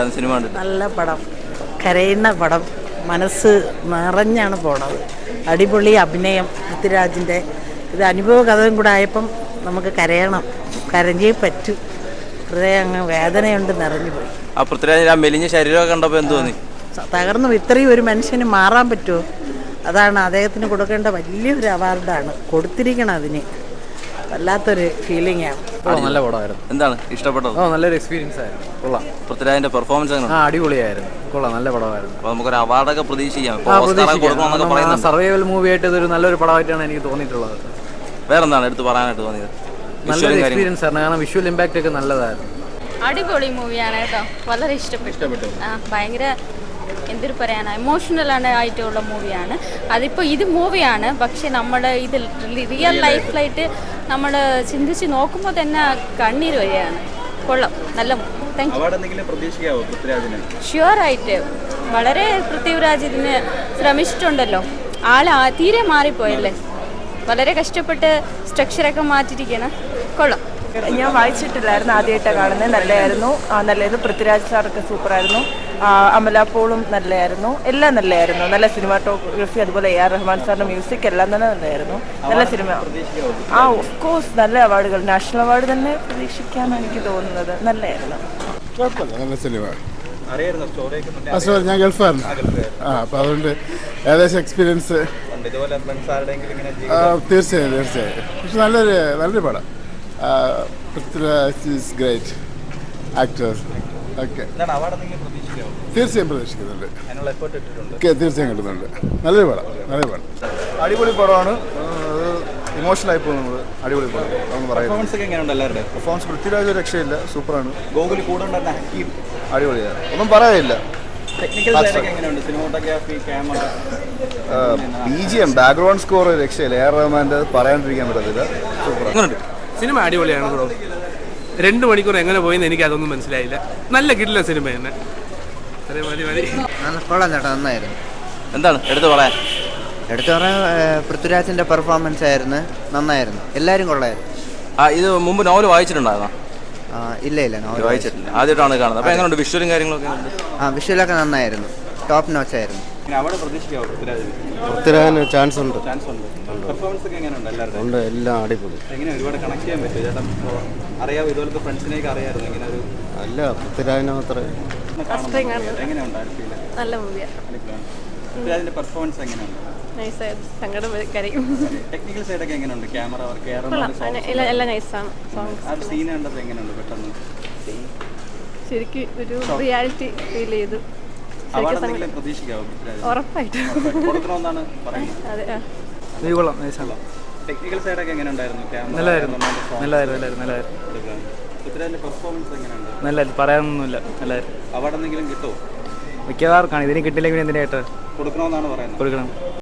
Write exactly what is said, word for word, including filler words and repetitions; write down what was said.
Cinema നല്ല പടം, കരയുന്ന പടം, മനസ്സ് നിറഞ്ഞാണ് പോണത്. അടിപൊളി അഭിനയം പൃഥ്വിരാജിൻ്റെ. ഇത് അനുഭവ കഥയും കൂടെ ആയപ്പം നമുക്ക് കരയണം, കരഞ്ഞേ പറ്റൂ. ഹൃദയം അങ്ങ് വേദനയുണ്ട്, നിറഞ്ഞു പോയി. ആ പൃഥ്വിരാജിൻ്റെ ആ മെലിഞ്ഞ ശരീരമൊക്കെ കണ്ടപ്പോൾ എന്ത് തോന്നി? തകർന്നു. ഇത്രയും ഒരു മനുഷ്യന് മാറാൻ പറ്റുമോ? അതാണ് അദ്ദേഹത്തിന് കൊടുക്കേണ്ട വലിയൊരു അവാർഡാണ് കൊടുത്തിരിക്കണം. അതിന് വല്ലാത്തൊരു ഫീലിംഗ് ആണ്. നല്ല പടമായിരുന്നു. എന്താണ് ഇഷ്ടപ്പെട്ടത്? ഓ നല്ലൊരു എക്സ്പീരിയൻസ് ആയിരുന്നു. കൊള്ളാം. പൃഥ്വിരാജിന്റെ പെർഫോമൻസ് ആ അടിപൊളിയായിരുന്നു. കൊള്ളാം, നല്ല പടമായിരുന്നു. അപ്പോൾ നമുക്കൊരു അവാർഡൊക്കെ പ്രതീക്ഷിക്കാം. സർവൈവൽ മൂവി ആയിട്ട് ഇതൊരു നല്ലൊരു പടമായിട്ടാണ് എനിക്ക് തോന്നിയിട്ടുള്ളത്. വേറെന്താണ് എടുത്ത് പറയാനായിട്ട് തോന്നിയത്? നല്ലൊരു എക്സ്പീരിയൻസ് ആയിരുന്നു. കാരണം വിഷ്വൽ ഇമ്പാക്റ്റ് ഒക്കെ നല്ലതായിരുന്നു. അടിപൊളി മൂവിയാണ് കേട്ടോ, വളരെ ഇഷ്ടപ്പെട്ടു. ആ ഭയങ്കര എന്തൊരു പറയാനാണ്, ഇമോഷണലാണ് ആയിട്ടുള്ള മൂവിയാണ്. അതിപ്പോൾ ഇത് മൂവിയാണ്, പക്ഷെ നമ്മൾ ഇത് റിയൽ ലൈഫിലായിട്ട് നമ്മൾ ചിന്തിച്ച് നോക്കുമ്പോൾ തന്നെ കണ്ണീര് വരികയാണ്. കൊള്ളാം, നല്ല താങ്ക് യു. ഷുവറായിട്ട് വളരെ പൃഥ്വിരാജ് ഇതിന് ശ്രമിച്ചിട്ടുണ്ടല്ലോ. ആൾ തീരെ മാറിപ്പോയല്ലേ, വളരെ കഷ്ടപ്പെട്ട് സ്ട്രക്ചറൊക്കെ മാറ്റിയിരിക്കണം. കൊള്ളാം. ഞാൻ വായിച്ചിട്ടില്ലായിരുന്നു, ആദ്യമായിട്ടാണ് കാണുന്നത്. നല്ലതായിരുന്നു. നല്ലത് പൃഥ്വിരാജ് സാറൊക്കെ സൂപ്പറായിരുന്നു. അമല പോളും നല്ലതായിരുന്നു. എല്ലാം നല്ലതായിരുന്നു. നല്ല സിനിമാറ്റോഗ്രഫി, അതുപോലെ എ ആർ റഹ്മാൻ സാറിൻ്റെ മ്യൂസിക് എല്ലാം തന്നെ നല്ലതായിരുന്നു. നല്ല സിനിമ. ആ ഓഫ് കോഴ്സ് നല്ല അവാർഡുകൾ, നാഷണൽ അവാർഡ് തന്നെ പ്രതീക്ഷിക്കാമെന്ന് എനിക്ക് തോന്നുന്നത്. നല്ലതായിരുന്നു. നല്ല സിനിമ. ഞാൻ ഗൾഫായിരുന്നു. ആ അപ്പം അതുകൊണ്ട് ഏകദേശം എക്സ്പീരിയൻസ് തീർച്ചയായും തീർച്ചയായും പക്ഷെ നല്ലൊരു നല്ലൊരു പടം. Prithviraj is great actor. Okay, തീർച്ചയായും പ്രതീക്ഷിക്കുന്നുണ്ട്. തീർച്ചയായും കിട്ടുന്നുണ്ട്. നല്ലൊരു പടം, നല്ലൊരു പടം. അടിപൊളി പടമാണ്. ഇമോഷണൽ ആയി പോകും നമ്മൾ. അടിപൊളി പടം നമ്മൾ പറയുന്നത്. പെർഫോമൻസ് പൃഥ്വിരാജ് രക്ഷയില്ല, സൂപ്പറാണ്. ഗോകുലി കൂടെ അടിപൊളിയാണ്, ഒന്നും പറയാനില്ല. B G M background score രക്ഷയില്ല. എ ആർ റഹ്മാൻ്റെ പറയാണ്ടിരിക്കാൻ പറ്റത്തില്ല. സൂപ്പറാണ്. സിനിമ അടിപൊളിയാണ് ബ്രോ. രണ്ട് മണിക്കൂർ എങ്ങനെ പോയെന്ന് എനിക്ക് അതൊന്നും മനസ്സിലായില്ല. നല്ല കിട്ടില്ല സിനിമ തന്നെ. കൊള്ളാം ചേട്ടാ, നന്നായിരുന്നു. എന്താണ് എടുത്ത് പറയാൻ? എടുത്തു പറയാൻ പൃഥ്വിരാജിന്റെ പെർഫോമൻസ് ആയിരുന്നു, നന്നായിരുന്നു. എല്ലാവരും കൊള്ളായിരുന്നു. ആ ഇത് മുമ്പ് നോവൽ വായിച്ചിട്ടുണ്ടായിരുന്നോ? ഇല്ല ഇല്ല നോവൽ വായിച്ചിട്ടില്ല, ആദ്യമായിട്ടാണ് കാണുന്നത്. അപ്പോൾ എങ്ങനെയുണ്ട് വിഷ്വലും കാര്യങ്ങളൊക്കെ? ആ വിഷ്വലൊക്കെ നന്നായിരുന്നു, ടോപ്പ് നോച്ച് ആയിരുന്നു. പൃഥ്വിരാജിന് ചാൻസ് ഉണ്ട്. പെർഫോമൻസ് ഒക്കെ എങ്ങനെയുണ്ട്? എല്ലാവരും ഉണ്ട്, എല്ലാം അടിപൊളി. എങ്ങനെ ഒരുപാട് കണക്ട് ചെയ്യാൻ പറ്റും ചേട്ടാ? അറിയാം, ഇതുപോലത്തെ ഫ്രണ്ട്സിനെയൊക്കെ അറിയാമായിരുന്നു. ഇങ്ങനെ ഒരു അല്ല പൃഥ്വിരാജിനെ മാത്രമേ. എങ്ങനെയുണ്ട്? നല്ല മൂവിയാണ്. പൃഥ്വിരാജിന്റെ പെർഫോമൻസ് എങ്ങനെയുണ്ട്? ടെക്നിക്കൽ സൈഡൊക്കെ എങ്ങനെയുണ്ട്? ക്യാമറ വർക്ക് എല്ലാം നൈസാണ്. ആ സീൻ കണ്ടപ്പോൾ എങ്ങനെയുണ്ട്? പെട്ടെന്ന് ശരിക്കും ഒരു റിയാലിറ്റി ഫീൽ ചെയ്തു. പ്രതീക്ഷിക്കാവോ? ഉറപ്പായിട്ടും കൊടുക്കണമെന്നാണ് പറയുന്നത്. ടെക്നിക്കൽ സൈഡൊക്കെ എങ്ങനെ ഉണ്ടായിരുന്നു? നല്ലതായിരുന്നു, നല്ലതായിരുന്നു, നല്ലതായിരുന്നു. പൃഥ്വിരാജിന്റെ പെർഫോമൻസ് എങ്ങനെയുണ്ട്? നല്ലതായിരുന്നു, പറയാനൊന്നുമില്ല. നല്ലതായിരുന്നു. അവാർഡ് എന്തെങ്കിലും കിട്ടുമോ? മിക്കവാർക്കാണ്. ഇതിന് കിട്ടില്ലെങ്കിൽ എന്തിനായിട്ട് കൊടുക്കണമെന്നാണ് പറയുന്നത്. കൊടുക്കണം.